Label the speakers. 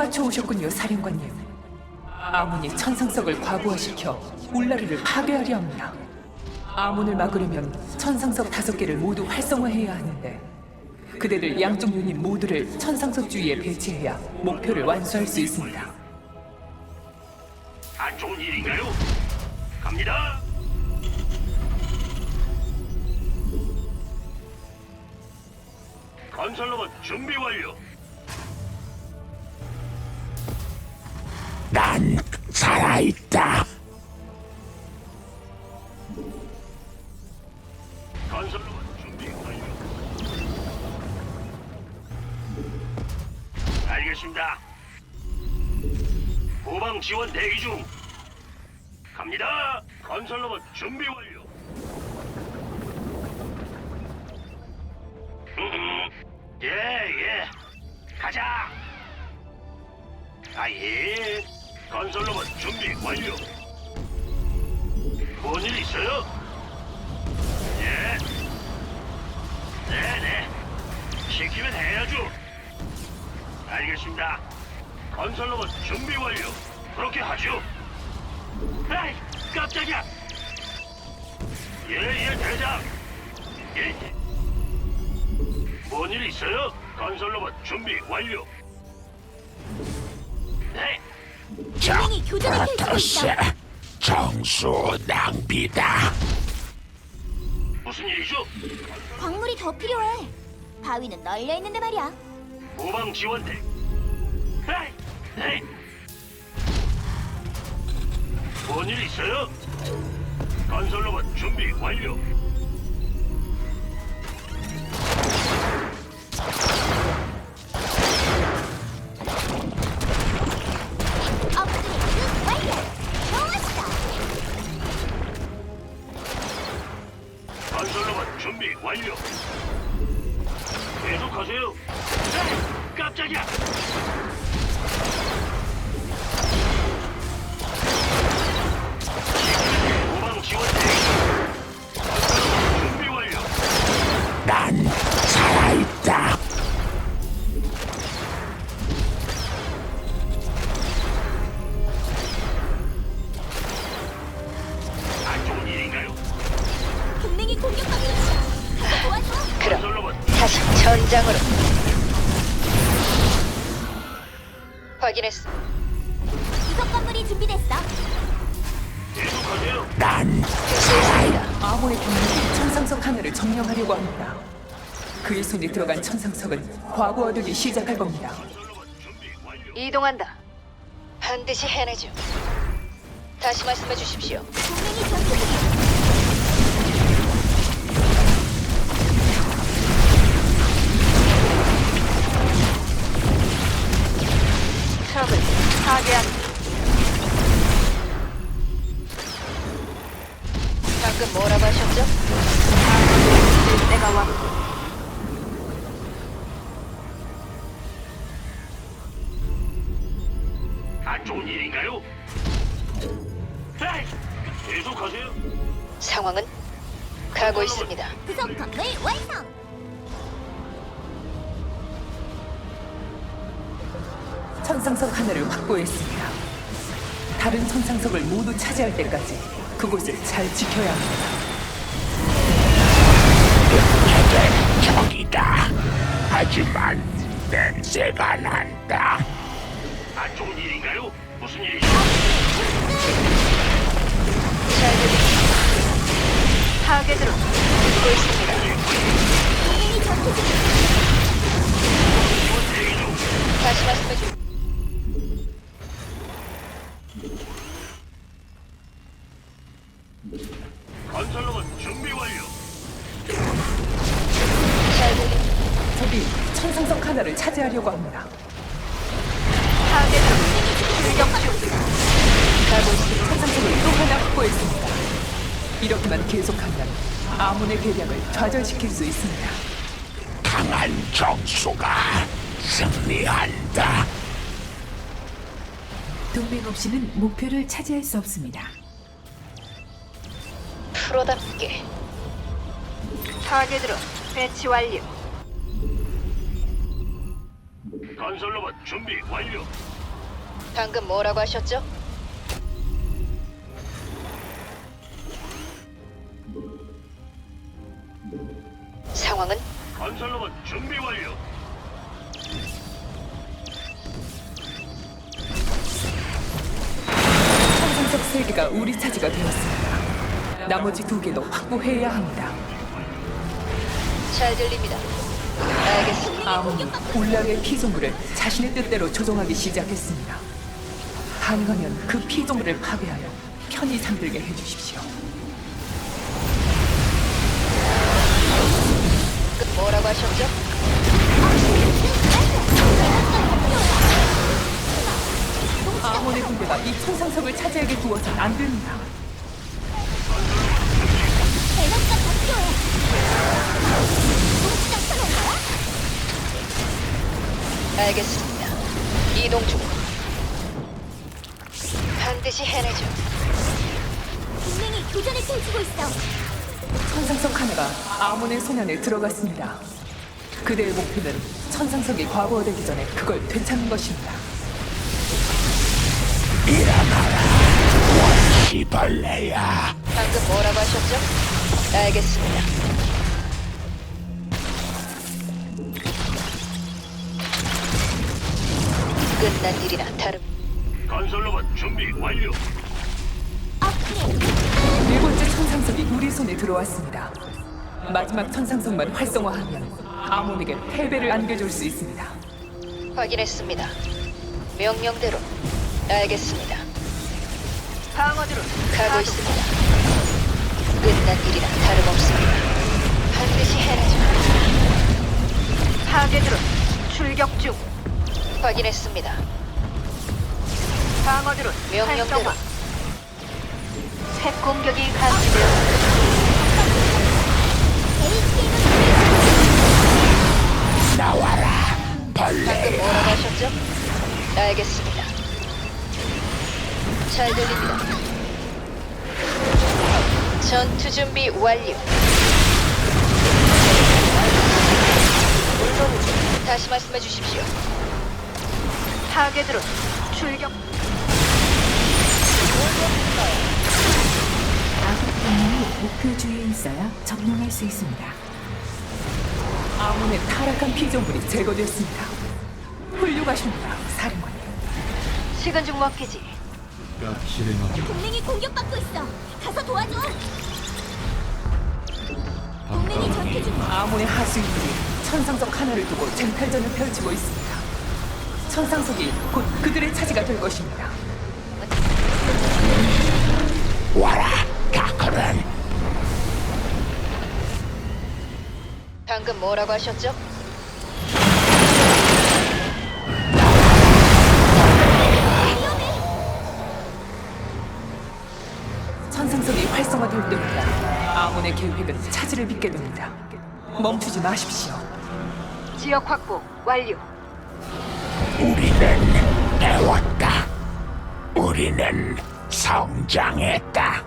Speaker 1: 맞춰 오셨군요, 사령관님. 아몬이 천상석을 과부하시켜 울라르를 파괴하려 합니다. 아몬을 막으려면 천상석 5개를 모두 활성화해야 하는데 그대들 양쪽 유닛 모두를 천상석 주위에 배치해야 목표를 완수할 수 있습니다.
Speaker 2: 안 좋은 일인가요? 갑니다. 건설로봇 준비 완료.
Speaker 3: 난 살아있다.
Speaker 2: 건설로봇 준비 완료. 알겠습니다. 후방 지원 대기 중. 갑니다. 건설로봇 준비 완료. 예. 가자. 아예. 건설로봇 준비 완료. 뭔 일 있어요? 예. 네네. 시키면 해야죠. 알겠습니다. 건설로봇 준비 완료. 그렇게 하죠. 에이, 깜짝이야. 예, 대장. 예. 뭔 일 있어요? 건설로봇 준비 완료. 네.
Speaker 4: 동맹이 교전을 펼치고
Speaker 3: 프로토스
Speaker 4: 있다.
Speaker 3: 정수 낭비다.
Speaker 2: 무슨 일이죠?
Speaker 4: 광물이 더 필요해. 바위는 널려 있는데 말이야.
Speaker 2: 후방 지원대. 에이, 네. 뭔 일 있어요? 건설로봇 준비 완료.
Speaker 4: 업그레이드 완료. 좋았어.
Speaker 2: 건설로봇 준비 완료. 계속하세요. 에이, 깜짝이야. 후방 지원대. 건설로봇 준비 완료.
Speaker 3: 난 살아있다.
Speaker 2: 안 좋은 일인가요?
Speaker 4: 동맹이 공격받고 있어. 가서 도와줘.
Speaker 5: 그럼
Speaker 2: 건설로봇
Speaker 5: 다시 전장으로. 확인했어.
Speaker 4: 구석 건물이 준비됐어.
Speaker 2: 계속하세요.
Speaker 3: 난
Speaker 5: 수고했습니다.
Speaker 1: 아몬의 병력이 천상석 하나를 점령하려고 합니다. 그의 손에 들어간 천상석은 과부하되기 시작할 겁니다.
Speaker 2: 건설로봇 준비 완료.
Speaker 5: 이동한다. 반드시 해내죠. 다시 말씀해 주십시오.
Speaker 4: 동맹이 전투 중이야.
Speaker 5: 트럭을 파괴한다. 방금 뭐라고 하셨죠? 될 때가 왔고.
Speaker 2: 안 좋은 일인가요? 에이, 계속하세요.
Speaker 5: 상황은 가고 있습니다.
Speaker 4: 구석 건물 완성.
Speaker 1: 천상석 하나를 확보했습니다. 다른 천상석을 모두 차지할 때까지 그곳을 잘 지켜야 합니다.
Speaker 3: 해된 적이다. 하지만 냄새가 난다.
Speaker 2: 안 좋은 일인가요? 무슨 일이죠?
Speaker 5: 잘 들립니다. 타겟으로 듣고 있습니다.
Speaker 4: 동맹이 전투 중이야.
Speaker 2: 지원 대기 중.
Speaker 5: 다시 말씀해 주.
Speaker 2: 건설로봇 준비 완료.
Speaker 5: 잘 들립니다.
Speaker 1: 적이 천상석 하나를 차지하려고 합니다.
Speaker 5: 타겟으로 출격 중. 가고 있습니다.
Speaker 1: 천상석을 또 하나 확보했습니다. 이렇게만 계속하면 아몬의 계략을 좌절시킬 수 있습니다.
Speaker 3: 강한 정수가 승리한다.
Speaker 6: 동맹 없이는 목표를 차지할 수 없습니다.
Speaker 5: 프로답게 타겟으로 배치 완료.
Speaker 2: 건설로봇 준비 완료.
Speaker 5: 방금 뭐라고 하셨죠? 상황은
Speaker 2: 건설로봇 준비 완료.
Speaker 1: 천상석 3개가 우리 차지가 되었습니다. 나머지 2개도 확보해야 합니다.
Speaker 5: 잘 들립니다. 알겠습니다.
Speaker 1: 아몬이 울라르의 피조물을 자신의 뜻대로 조종하기 시작했습니다. 가능하면 그 피조물을 파괴하여 편히 잠들게 해주십시오.
Speaker 5: 뭐라고 하셨죠?
Speaker 1: 아몬의 군대가 이 천상석을 차지하게 두어선 안 됩니다.
Speaker 4: 에너지가 더 필요해. 동시장 켜놓은 거야?
Speaker 5: 알겠습니다. 이동 중. 반드시 해내죠.
Speaker 4: 동맹이 교전을 펼치고 있어.
Speaker 1: 천상석 하나가 아몬의 손 안에 들어갔습니다. 그대의 목표는 천상석이 과거되기 전에 그걸 되찾는 것입니다.
Speaker 3: 시벌레야.
Speaker 5: 방금 뭐라고 하셨죠? 알겠습니다. 끝난 일이나 다름.
Speaker 2: 건설로봇 준비 완료.
Speaker 4: 업그레이드.
Speaker 1: 4번째 천상석이 우리 손에 들어왔습니다. 마지막 천상석만 활성화하면 아몬에게 패배를 안겨줄 수 있습니다.
Speaker 5: 확인했습니다. 명령대로. 알겠습니다. 방어드로 가고 있습니다. 끝난 일이나 다름없습니다. 반드시 해내죠. 파괴드로 출격 중. 확인했습니다. 방어드로 명령대로. 새 공격이 감지되었습니다.
Speaker 3: 나와라, 벌레.
Speaker 5: 방금 뭐라고 하셨죠? 알겠습니다. 잘 들립니다. 전투 준비 완료. 물론 다시 말씀해 주십시오. 타겟으로 출격.
Speaker 6: 아군 동맹이 목표 주위에 있어야 점령할 수 있습니다.
Speaker 1: 아몬의 타락한 피조물이 제거됐습니다. 훌륭하십니다, 사령관님.
Speaker 5: 식은 죽 먹기지.
Speaker 4: 동맹이 공격받고 있어. 가서 도와줘. 동맹이 전투 중.
Speaker 1: 아몬의 하수인들이 천상석 하나를 두고 쟁탈전을 펼치고 있습니다. 천상석이 곧 그들의 차지가 될 것입니다.
Speaker 3: 와라, 다크는.
Speaker 5: 방금 뭐라고 하셨죠?
Speaker 1: 천상석이 활성화될 때마다 아몬의 계획은 차질을 빚게 됩니다. 멈추지 마십시오.
Speaker 5: 지역 확보 완료.
Speaker 3: 우리는 배웠다. 우리는 성장했다.